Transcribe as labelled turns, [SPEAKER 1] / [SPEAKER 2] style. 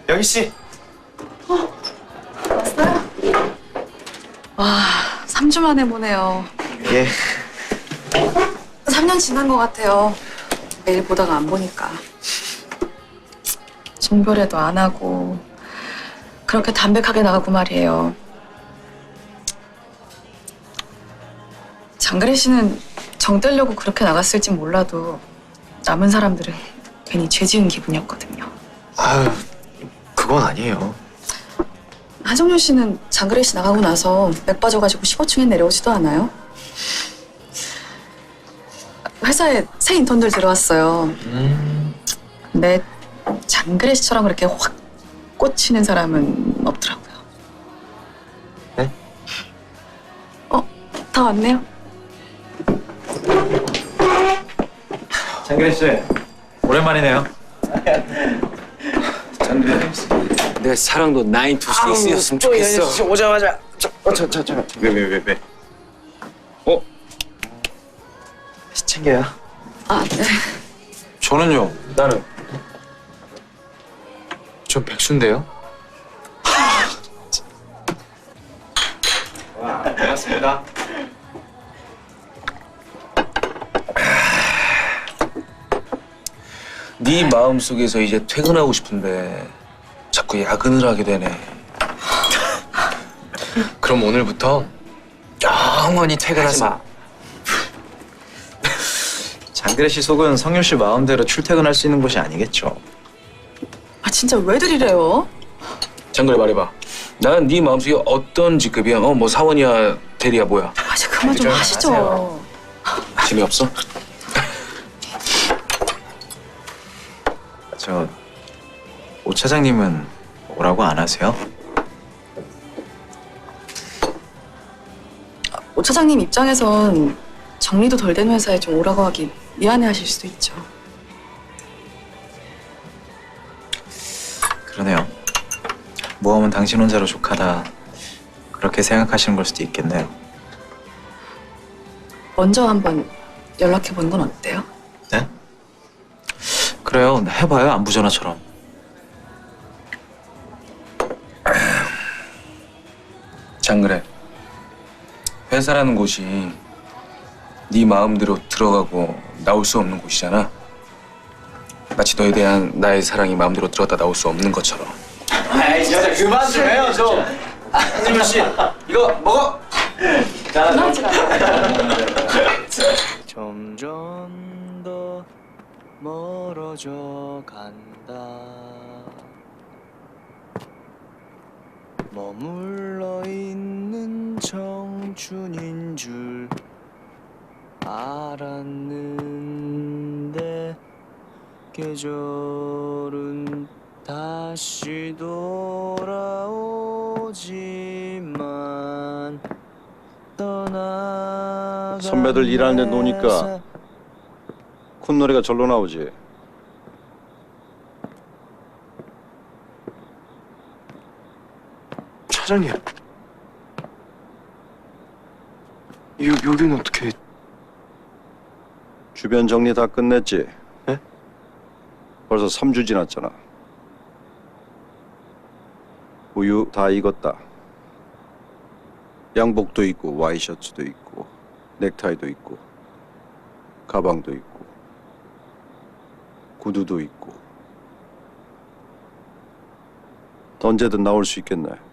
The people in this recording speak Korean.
[SPEAKER 1] 여기 씨.
[SPEAKER 2] 왔어요? 와, 3주 만에 보네요.
[SPEAKER 1] 예.
[SPEAKER 2] 3년 지난 것 같아요. 매일 보다가 안 보니까. 종별회도 안 하고 그렇게 담백하게 나가고 말이에요. 장그래 씨는 정 떼려고 그렇게 나갔을진 몰라도 남은 사람들은 괜히 죄 지은 기분이었거든요.
[SPEAKER 1] 아유, 그건 아니에요.
[SPEAKER 2] 하정윤 씨는 장그래 씨 나가고 나서 맥 빠져가지고 15층에 내려오지도 않아요? 회사에 새 인턴들 들어왔어요. 근데 장그래 씨처럼 그렇게 확 꽂히는 사람은 없더라고요.
[SPEAKER 1] 네?
[SPEAKER 2] 다 왔네요.
[SPEAKER 1] 장그래 씨, 오랜만이네요. 장그래 씨.
[SPEAKER 3] 내 사랑도 9 to 6였으면 좋겠어.
[SPEAKER 1] 오자마자 왜? 씨 챙겨요.
[SPEAKER 2] 아, 네.
[SPEAKER 3] 저는요.
[SPEAKER 1] 나는
[SPEAKER 3] 전 백수인데요.
[SPEAKER 1] 와, 고맙습니다.
[SPEAKER 3] 네 마음속에서 이제 퇴근하고 싶은데 자꾸 야근을 하게 되네. 그럼 오늘부터 영원히 퇴근하지 마.
[SPEAKER 1] 장그래 씨 속은 성윤 씨 마음대로 출퇴근할 수 있는 곳이 아니겠죠.
[SPEAKER 2] 아, 진짜 왜들 이래요?
[SPEAKER 3] 장그래 말해봐. 난 네 마음속에 어떤 직급이야? 뭐 사원이야, 대리야, 뭐야?
[SPEAKER 2] 아, 이제 그만 좀 하시죠.
[SPEAKER 3] 재미없어?
[SPEAKER 1] 저 오 차장님은 오라고 안 하세요?
[SPEAKER 2] 오 차장님 입장에선 정리도 덜 된 회사에 좀 오라고 하기 미안해하실 수도 있죠.
[SPEAKER 1] 그러네요. 모험은 당신 혼자로 족하다. 그렇게 생각하시는 걸 수도 있겠네요.
[SPEAKER 2] 먼저 한번 연락해 보는 건 어때요?
[SPEAKER 1] 네? 그래요. 해봐요. 안부전화처럼.
[SPEAKER 3] 장그래. 회사라는 곳이 네 마음대로 들어가고 나올 수 없는 곳이잖아. 마치 너에 대한 나의 사랑이 마음대로 들어갔다 나올 수 없는 것처럼.
[SPEAKER 1] 아이 진짜 그만 좀 해요 좀. 한지문 씨 이거 먹어.
[SPEAKER 2] 그만하지
[SPEAKER 4] 점점 더 멀어져 간다. 머물러 있는 청춘인 줄 알았는데 계절은 다시 돌아오지만 떠나가
[SPEAKER 5] 선배들 일하는데 노니까 콧노래가 절로 나오지.
[SPEAKER 4] 차장님, 여기는 어떻게?
[SPEAKER 5] 주변 정리 다 끝냈지?
[SPEAKER 4] 네?
[SPEAKER 5] 벌써 3주 지났잖아. 우유 다 익었다. 양복도 있고 와이셔츠도 있고 넥타이도 있고 가방도 있고 구두도 있고 언제든 나올 수 있겠네.